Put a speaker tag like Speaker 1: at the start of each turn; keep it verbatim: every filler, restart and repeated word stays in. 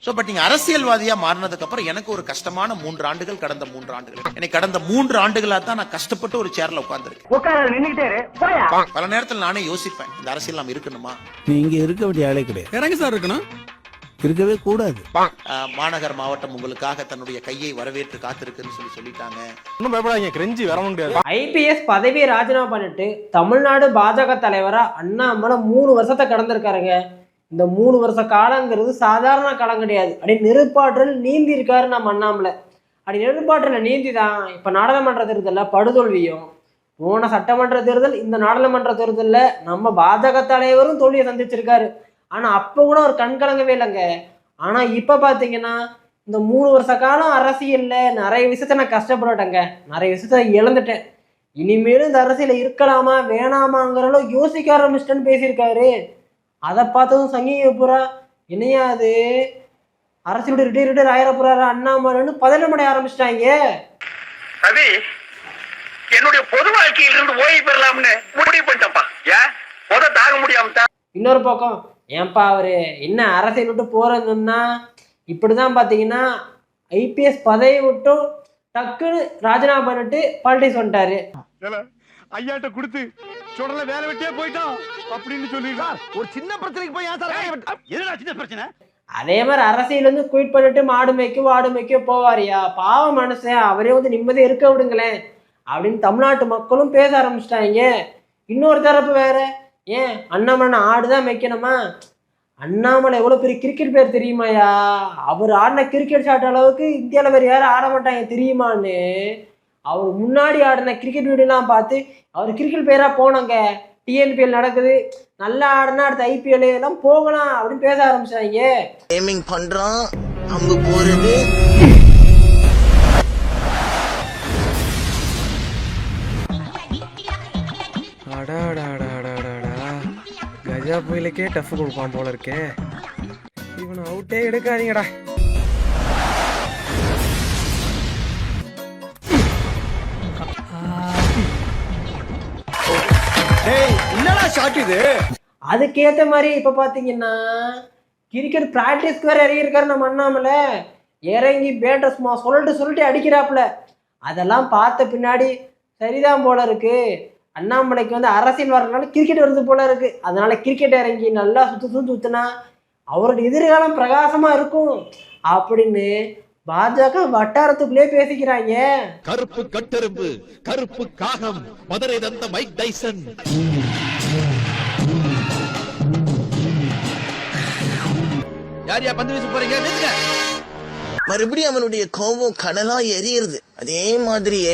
Speaker 1: So but நீங்க அரசியல்வாதியா மாறினதுக்கு அப்புறம் எனக்கு ஒரு கஷ்டமான மூன்று ஆண்டுகள் கடந்த மூன்று ஆண்டுகள் எனக்கு கடந்த மூன்று ஆண்டுகளா தான் நான் கஷ்டப்பட்டு ஒரு சேர்ல உட்கார்ந்துருக்கேன். பல நேரத்தில் நானே யோசிப்பேன், இந்த அரசியல் நாம் இருக்கணுமா?
Speaker 2: நீங்க இருக்க வேண்டிய ஆளே கிடையாது.
Speaker 3: இறங்கி சார் இருக்கணும்,
Speaker 2: இருக்கவே கூடாது.
Speaker 1: மாநகர் மாவட்டம் உங்களுக்காக தன்னுடைய கையை வரவேற்று காத்திருக்குன்னு சொல்லி சொல்லிட்டாங்க.
Speaker 3: ஒன்னும் பயப்படாதீங்க, கிரெஞ்சி வர முடியாது.
Speaker 4: ஐபிஎஸ் பதவியை ராஜினாமா பண்ணிட்டு தமிழ்நாடு பாஜக தலைவரா அண்ணாமலை மூணு வருஷத்தை கடந்திருக்காருங்க. இந்த மூணு வருஷ காலங்கிறது சாதாரண காலம் கிடையாது. அப்படி நெருப்பாற்றல் நீந்தி இருக்காரு நம்ம அண்ணாமலை. அப்படி நெருப்பாற்றல நீந்தி தான் இப்போ நாடாளுமன்ற தேர்தலில் படுதோல்வியும், போன சட்டமன்ற தேர்தல், இந்த நாடாளுமன்ற தேர்தலில் நம்ம பாஜக தலைவரும் தோல்வியை சந்திச்சிருக்காரு. ஆனால் அப்போ கூட ஒரு கண் கலங்கவே இல்லைங்க. ஆனால் இப்போ பார்த்தீங்கன்னா இந்த மூணு வருஷ காலம் அரசியலில் நிறைய விஷயத்த நான் கஷ்டப்பட்டுட்டேங்க, நிறைய விஷயத்த இழந்துட்டேன். இனிமேலும் இந்த அரசியலில் இருக்கலாமா வேணாமாங்கிற அளவு யோசிக்க ஆரம்பிச்சிட்டேன்னு பேசியிருக்காரு. அதை பார்த்ததும் சங்கிங்க பூரா என்னையா அது அரசியலோட ரிட்டையர் ரிட்டையர் ஆயிர போறாரு அண்ணாமலைன்னு பதனமடைய ஆரம்பிச்சிட்டாங்க.
Speaker 5: ரவி, என்னுடைய பொது வாழ்க்கையில இருந்து ஓய்வு பெறலாம்னு முடிவு பண்ணிட்டப்பா. ஏன் பொத தாக முடியாம. இன்னொரு
Speaker 4: பக்கம் ஏன்பா அவரு என்ன அரசியல் விட்டு போறதுன்னா இப்படிதான் பாத்தீங்கன்னா ஐபிஎஸ் பதவி விட்டும் டக்குன்னு ராஜினாமா பண்ணிட்டு பாலிடிக்ஸ் வந்துட்டாரு.
Speaker 3: ஐயாட்ட கொடுத்து சொல்றல வேலை வெட்டியே போயிட்டோம் அப்படின்னு சொல்லிடுறார். ஒரு சின்ன பிரச்சனைக்கு போய் ஏன் சார் எதுடா சின்ன பிரச்சனை?
Speaker 4: அதே மாதிரி அரசியல் வந்து குயிட் பண்ணிட்டு மாடு மேய்க்க வாடு மேய்க்க போவாரியா, பாவ மனுஷன், அவரே வந்து நிம்மதியாக இருக்க விடுங்களேன் அப்படின்னு தமிழ்நாட்டு மக்களும் பேச ஆரம்பிச்சிட்டாங்க. இன்னொரு தரப்பு வேற, ஏன் அண்ணாமலை ஆடுதான் மேய்க்கணுமா? அண்ணாமலை எவ்வளோ பெரிய கிரிக்கெட் பேர் தெரியுமாயா? அவர் ஆடின கிரிக்கெட் ஷாட் அளவுக்கு இந்தியாவில் வேறு யாரும் ஆட மாட்டாங்க தெரியுமான்னு அவர் முன்னாடி ஆடின கிரிக்கெட் வீடியோலாம் பார்த்து அவர் கிரிக்கெட் பேராக போனாங்க. டிஎன்பிஎல் நடக்குது, நல்லா ஆடினா அடுத்த ஐபிஎல் எல்லாம் போகலாம் அப்படின்னு பேச ஆரம்பிச்சாங்க.
Speaker 6: கேமிங் பண்றோம், அங்க போறது.
Speaker 7: கஜா புயலுக்கே டஃப் கொடுப்பான் போல இருக்கே. இவனை அவுட்டே எடுக்காதீங்கடா.
Speaker 4: அதுக்கேற்ற மாதிரி இப்போ பார்த்தீங்கன்னா கிரிக்கெட் ப்ராக்டிஸ்க்கு வேற இறங்கியிருக்காரு நம்ம அண்ணாமலை. இறங்கி பேட்டை சும்மா சொல்லிட்டு சொல்லிட்டு அடிக்கிறாப்புல. அதெல்லாம் பார்த்த பின்னாடி சரிதான் போல இருக்கு, அண்ணாமலைக்கு வந்து அரசியல் வர்றதுனால கிரிக்கெட் வருது போல இருக்கு. அதனால கிரிக்கெட் இறங்கி நல்லா சுத்து சுத்து சுத்துனா அவரோட எதிர்காலம் பிரகாசமா இருக்கும் அப்படின்னு பாஜக வட்டாரத்துக்குள்ளே பேசிக்கிறாங்க.
Speaker 8: கருப்பு கட்டெரும்பு, கருப்பு காகம், மதுரை தந்த மைக் டைசன். யார் யா பந்து வீச போறீங்க?
Speaker 6: மறுபடியும் அவனுடைய கோபம் கடலா எரியுது. அதே மாதிரி